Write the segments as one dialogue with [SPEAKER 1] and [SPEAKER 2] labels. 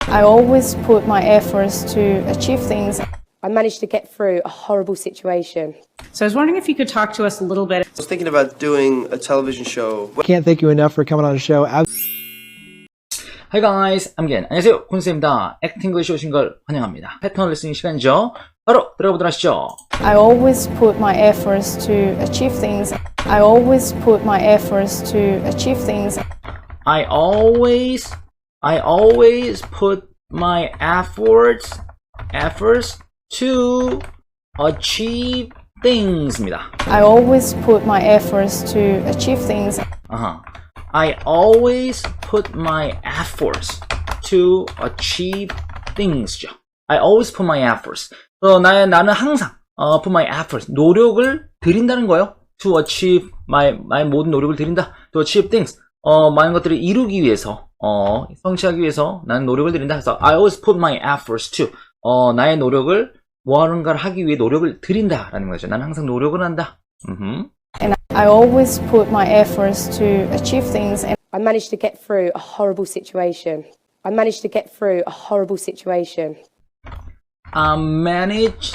[SPEAKER 1] I always put my efforts to achieve things.
[SPEAKER 2] I managed to get through a horrible situation.
[SPEAKER 3] So I was wondering if you could talk to us a little bit.
[SPEAKER 4] I was thinking about doing a television show.
[SPEAKER 5] Can't thank you enough for coming on the show.
[SPEAKER 6] Hi guys, I'm Gen. 안녕하세요, 콘쌤입니다. 액팅글씨 오신 걸 환영합니다. 패턴 레슨 시간이죠. 바로 들어가 보도록 하시죠.
[SPEAKER 1] I always put my efforts to achieve things. I always put my efforts to achieve things.
[SPEAKER 6] I always put my efforts to achieve things입니다.
[SPEAKER 1] I always put my efforts to achieve things.
[SPEAKER 6] I always put my efforts to achieve things죠. I always put my efforts. 나는 항상 put my efforts, 노력을 들인다는 거예요. To achieve my 모든 노력을 들인다. To achieve things. 많은 것들을 이루기 위해서, 성취하기 위해서 나는 노력을 들인다. 그래서 I always put my efforts to. 나의 노력을 무언가를 하기 위해 노력을 들인다라는 거죠. 나는 항상 노력을 한다.
[SPEAKER 1] And I always put my efforts to achieve things. And
[SPEAKER 2] I managed to get through a horrible situation. I managed to get through a horrible situation.
[SPEAKER 6] I managed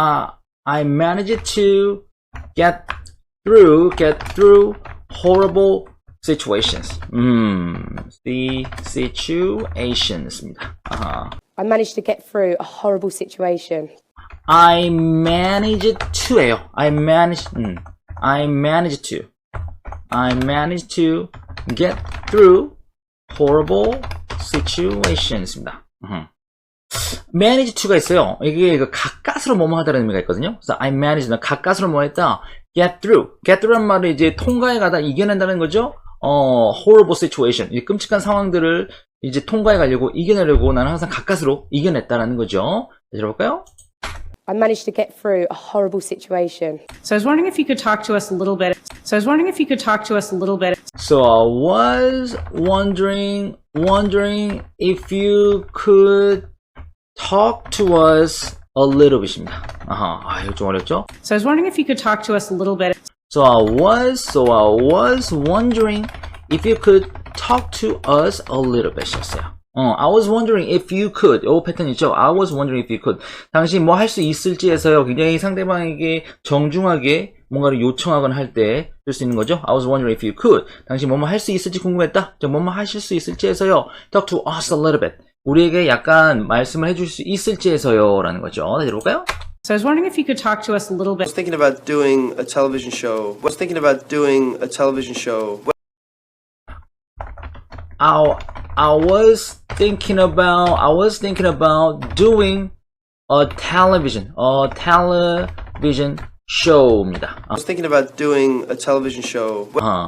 [SPEAKER 6] to get through horrible situations. The situations입니다.
[SPEAKER 2] I managed to get through a horrible situation.
[SPEAKER 6] I managed to예요. I managed to get through horrible situations입니다. manage to가 있어요. 이게 가까스로 뭐뭐 하다라는 의미가 있거든요. 그래서 I managed, 가까스로 뭐 했다. get through란 말은 이제 통과해 가다 이겨낸다는 거죠. horrible situation, 이 끔찍한 상황들을 이제 통과해 가려고 이겨내려고 나는 항상 가까스로 이겨냈다라는 거죠. 들어볼까요?
[SPEAKER 2] I managed to get through a horrible situation.
[SPEAKER 3] So I was wondering if you could talk to us a little bit. So I was wondering if you could talk to us a little bit.
[SPEAKER 6] So I was wondering if you could talk to us a little bit입니다. 이거 좀 어렵죠?
[SPEAKER 3] So I was wondering if you could talk to us a little bit.
[SPEAKER 6] So I was wondering if you could talk to us a little bit이었어요. I was wondering if you could. 요 패턴 있죠? I was wondering if you could. 당신 뭐 할 수 있을지에서요. 굉장히 상대방에게 정중하게 뭔가를 요청하거나 할 때 쓸 수 있는 거죠. I was wondering if you could. 당신 뭐뭐 할 수 있을지 궁금했다. 뭐뭐 하실 수 있을지에서요. Talk to us a little bit. 우리에게 약간 말씀을 해줄 수 있을지에서요. 라는 거죠. 다시 들어볼까요?
[SPEAKER 3] So I was wondering if you could talk to us a little
[SPEAKER 4] I
[SPEAKER 3] bit.
[SPEAKER 4] was thinking about doing a television show.
[SPEAKER 6] I was thinking about doing a television show입니다.
[SPEAKER 4] I was thinking about doing a television show.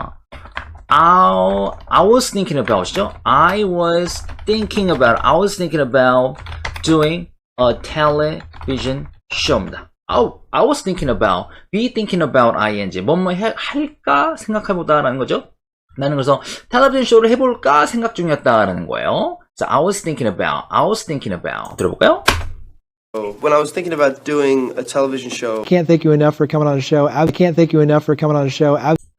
[SPEAKER 6] I was thinking about이죠. I was thinking about doing a television show입니다. I was thinking about, be thinking about ing. 뭐뭐 할까 생각해보다라는 거죠. 나는 그래서 텔레비전 쇼를 해볼까 생각 중이었다라는 거예요. So I was thinking about. 들어볼까요?
[SPEAKER 4] When I was thinking about doing a television show.
[SPEAKER 5] Can't thank you enough for coming on the show. I can't thank you enough for coming on the show.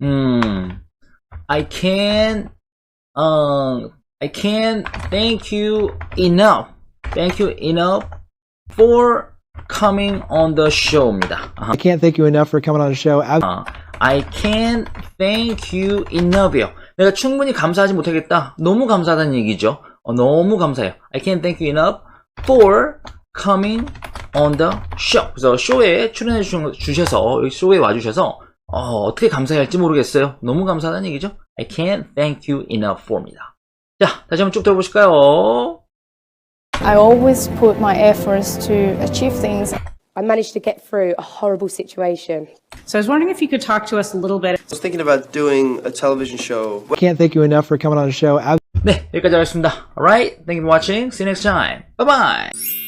[SPEAKER 6] I can't thank you enough for coming on the show입니다.
[SPEAKER 5] I can't thank you enough for coming on the show.
[SPEAKER 6] I can't thank you enough이요. 내가 충분히 감사하지 못하겠다. 너무 감사하다는 얘기죠. 너무 감사해요. I can't thank you enough for coming on the show. 그래서 쇼에 출연해 주셔서, 쇼에 와주셔서 어떻게 감사해야 할지 모르겠어요. 너무 감사하다는 얘기죠. I can't thank you enough for입니다. 자, 다시 한번 쭉 들어보실까요?
[SPEAKER 1] I always put my efforts to achieve things.
[SPEAKER 2] I managed to get through a horrible situation.
[SPEAKER 3] So I was wondering if you could talk to us a little bit.
[SPEAKER 4] I was thinking about doing a television show.
[SPEAKER 5] Can't thank you enough for coming on the show.
[SPEAKER 6] 네, 여기까지 하겠습니다. Alright, thank you for watching. See you next time. Bye bye.